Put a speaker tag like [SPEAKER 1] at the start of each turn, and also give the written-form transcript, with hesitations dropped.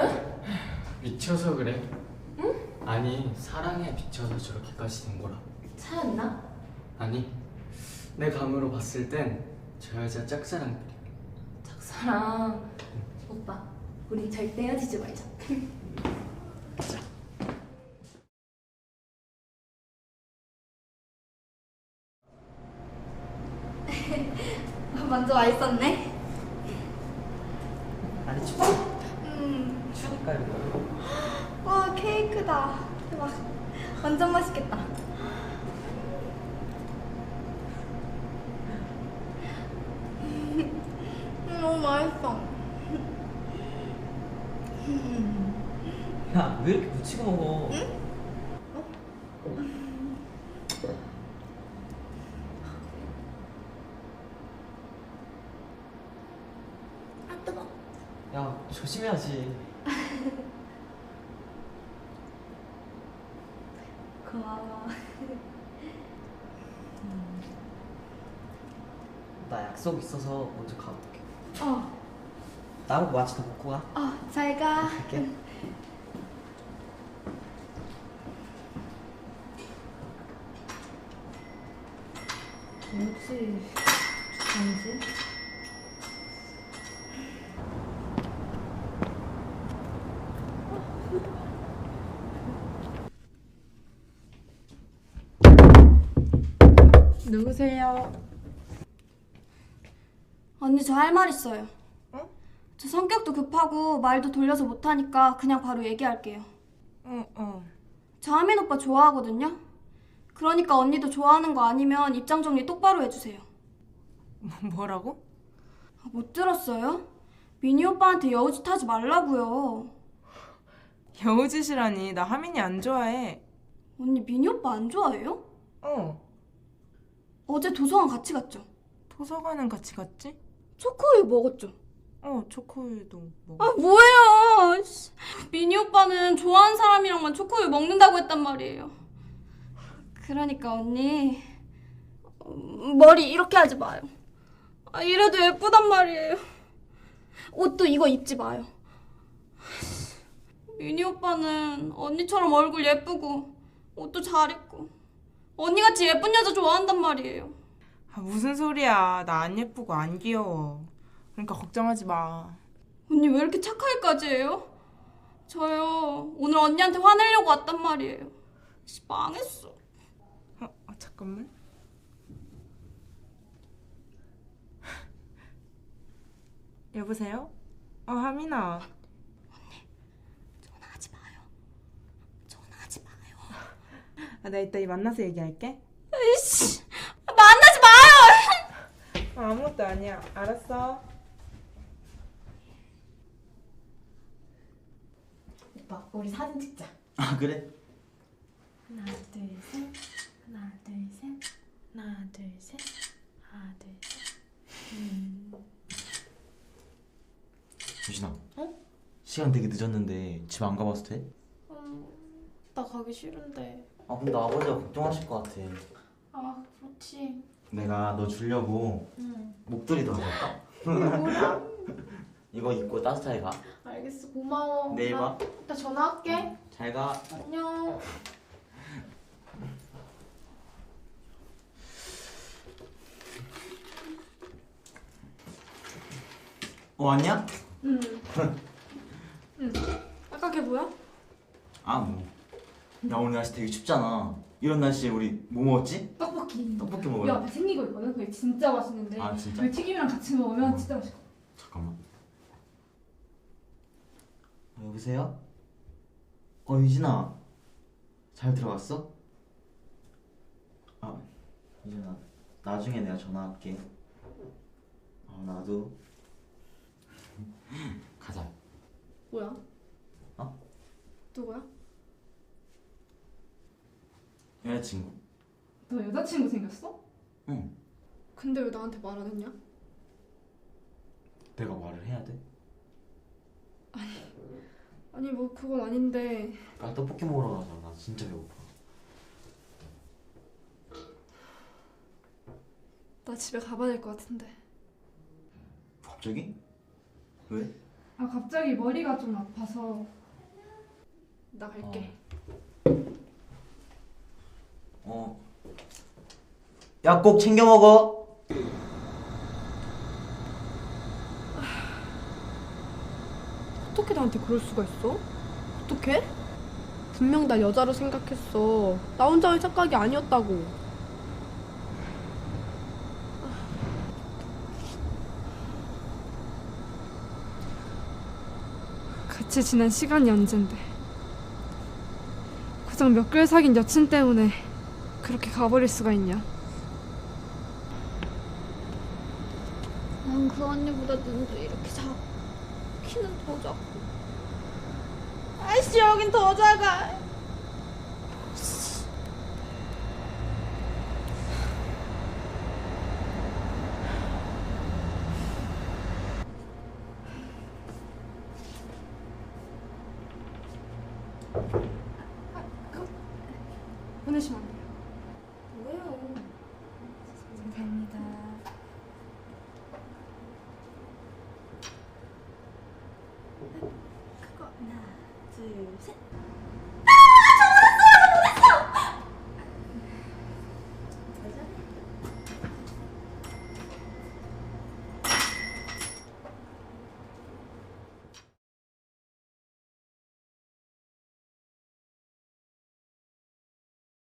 [SPEAKER 1] 왜?
[SPEAKER 2] 미쳐서 그래.
[SPEAKER 1] 응?
[SPEAKER 2] 아니, 사랑에 미쳐서 저렇게까지 된 거라.
[SPEAKER 1] 차였나?
[SPEAKER 2] 아니, 내 감으로 봤을 땐 저 여자 짝사랑들이야.
[SPEAKER 1] 짝사랑. 오빠, 우리 절대 헤어지지 말자. 먼저 와 있었네.
[SPEAKER 3] 아니 춥지? 추우니까 이거.
[SPEAKER 1] 와, 케이크다. 대박. 완전 맛있겠다. 너무 맛있어.
[SPEAKER 3] 야, 왜 이렇게 묻히고 먹어?
[SPEAKER 1] 아, 뜨거.
[SPEAKER 3] 야, 조심해야지.
[SPEAKER 1] 고마워.
[SPEAKER 3] 나 약속 있어서 먼저 가볼게.
[SPEAKER 1] 어,
[SPEAKER 3] 나보고 마치 더 먹고 가.
[SPEAKER 1] 잘 가.
[SPEAKER 3] 갈게.
[SPEAKER 1] 뭐지? 아니지?
[SPEAKER 4] 누구세요?
[SPEAKER 5] 언니 저 할 말 있어요.
[SPEAKER 4] 어?
[SPEAKER 5] 저 성격도 급하고 말도 돌려서 못하니까 그냥 바로 얘기할게요.
[SPEAKER 4] 어.
[SPEAKER 5] 저 하민 오빠 좋아하거든요. 그러니까 언니도 좋아하는 거 아니면 입장 정리 똑바로 해주세요.
[SPEAKER 4] 뭐라고?
[SPEAKER 5] 못 들었어요? 미니 오빠한테 여우짓 하지 말라고요.
[SPEAKER 4] 여우짓이라니. 나 하민이 안 좋아해.
[SPEAKER 5] 언니 미니 오빠 안 좋아해요?
[SPEAKER 4] 어.
[SPEAKER 5] 어제 도서관 같이 갔죠?
[SPEAKER 4] 도서관은 같이 갔지?
[SPEAKER 5] 초코우유 먹었죠?
[SPEAKER 4] 초코우유도 먹어.
[SPEAKER 5] 아 뭐예요? 씨. 미니 오빠는 좋아하는 사람이랑만 초코우유 먹는다고 했단 말이에요. 그러니까 언니 머리 이렇게 하지 마요. 이래도 예쁘단 말이에요. 옷도 이거 입지 마요. 미니 오빠는 언니처럼 얼굴 예쁘고 옷도 잘 입고 언니같이 예쁜 여자 좋아한단 말이에요.
[SPEAKER 4] 무슨 소리야. 나 안 예쁘고 안 귀여워. 그러니까 걱정하지 마.
[SPEAKER 5] 언니 왜 이렇게 착하게까지 해요? 저요 오늘 언니한테 화내려고 왔단 말이에요. 씨, 망했어.
[SPEAKER 4] 잠깐만. 여보세요? 하민아.
[SPEAKER 5] 전화하지 마요. 전화하지 마요.
[SPEAKER 4] 나 이따 만나서 얘기할게.
[SPEAKER 5] 에이씨, 만나지 마요.
[SPEAKER 4] 아무것도 아니야. 알았어.
[SPEAKER 1] 오빠, 우리 사진 찍자.
[SPEAKER 3] 아 그래?
[SPEAKER 1] 하나, 둘, 셋. 하나, 둘, 셋. 하나, 둘, 셋. 하나, 둘, 셋.
[SPEAKER 6] 유진아.
[SPEAKER 1] 어?
[SPEAKER 6] 시간 되게 늦었는데 집 안 가봐도 돼?
[SPEAKER 1] 나 가기 싫은데.
[SPEAKER 6] 아 근데 아버지가 걱정하실 것 같아.
[SPEAKER 1] 아, 그렇지.
[SPEAKER 6] 내가 너 주려고
[SPEAKER 1] 응.
[SPEAKER 6] 목도리도 가져올까?
[SPEAKER 1] 뭐야?
[SPEAKER 6] 이거 입고 따뜻하게 가.
[SPEAKER 1] 알겠어, 고마워.
[SPEAKER 6] 내일 봐.
[SPEAKER 1] 나 전화할게.
[SPEAKER 6] 잘 가.
[SPEAKER 1] 안녕.
[SPEAKER 6] 왔냐?
[SPEAKER 5] 응. 아까 걔 뭐야?
[SPEAKER 6] 아 뭐. 야 오늘 날씨 되게 춥잖아. 이런 날씨에 우리 뭐 먹었지?
[SPEAKER 7] 떡볶이.
[SPEAKER 6] 떡볶이
[SPEAKER 7] 이
[SPEAKER 6] 먹을래?
[SPEAKER 7] 앞에 생긴 거 있거든. 그게 진짜 맛있는데.
[SPEAKER 6] 아, 진짜?
[SPEAKER 7] 그 튀김이랑 같이 먹으면 진짜 맛있어.
[SPEAKER 6] 잠깐만. 여보세요? 유진아. 잘 들어갔어? 유진아. 나중에 내가 전화할게. 나도. 가자.
[SPEAKER 5] 뭐야?
[SPEAKER 6] 어?
[SPEAKER 5] 누구야?
[SPEAKER 6] 여자친구.
[SPEAKER 7] 너 여자친구 생겼어?
[SPEAKER 6] 응.
[SPEAKER 5] 근데 왜 나한테 말 안 했냐?
[SPEAKER 6] 내가 말을 해야 돼?
[SPEAKER 5] 아니 뭐 그건 아닌데.
[SPEAKER 6] 나 떡볶이 먹으러 가자. 나 진짜 배고파.
[SPEAKER 5] 나 집에 가봐야 될 것 같은데.
[SPEAKER 6] 갑자기? 왜?
[SPEAKER 7] 아 갑자기 머리가 좀 아파서 나 갈게.
[SPEAKER 3] 야, 꼭 챙겨 먹어.
[SPEAKER 8] 어떻게 나한테 그럴 수가 있어? 어떻게? 분명 나 여자로 생각했어. 나 혼자의 착각이 아니었다고.
[SPEAKER 7] 같이 지낸 시간이 언젠데 그냥 몇 개월 사귄 여친 때문에 그렇게 가버릴 수가 있냐.
[SPEAKER 5] 난 그 언니보다 눈도 이렇게 작고 키는 더 작고 아이씨 여긴 더 작아.
[SPEAKER 7] 보내시면 안 돼요.
[SPEAKER 5] 왜요?
[SPEAKER 1] 감사합니다. 그거 하나, 둘, 셋.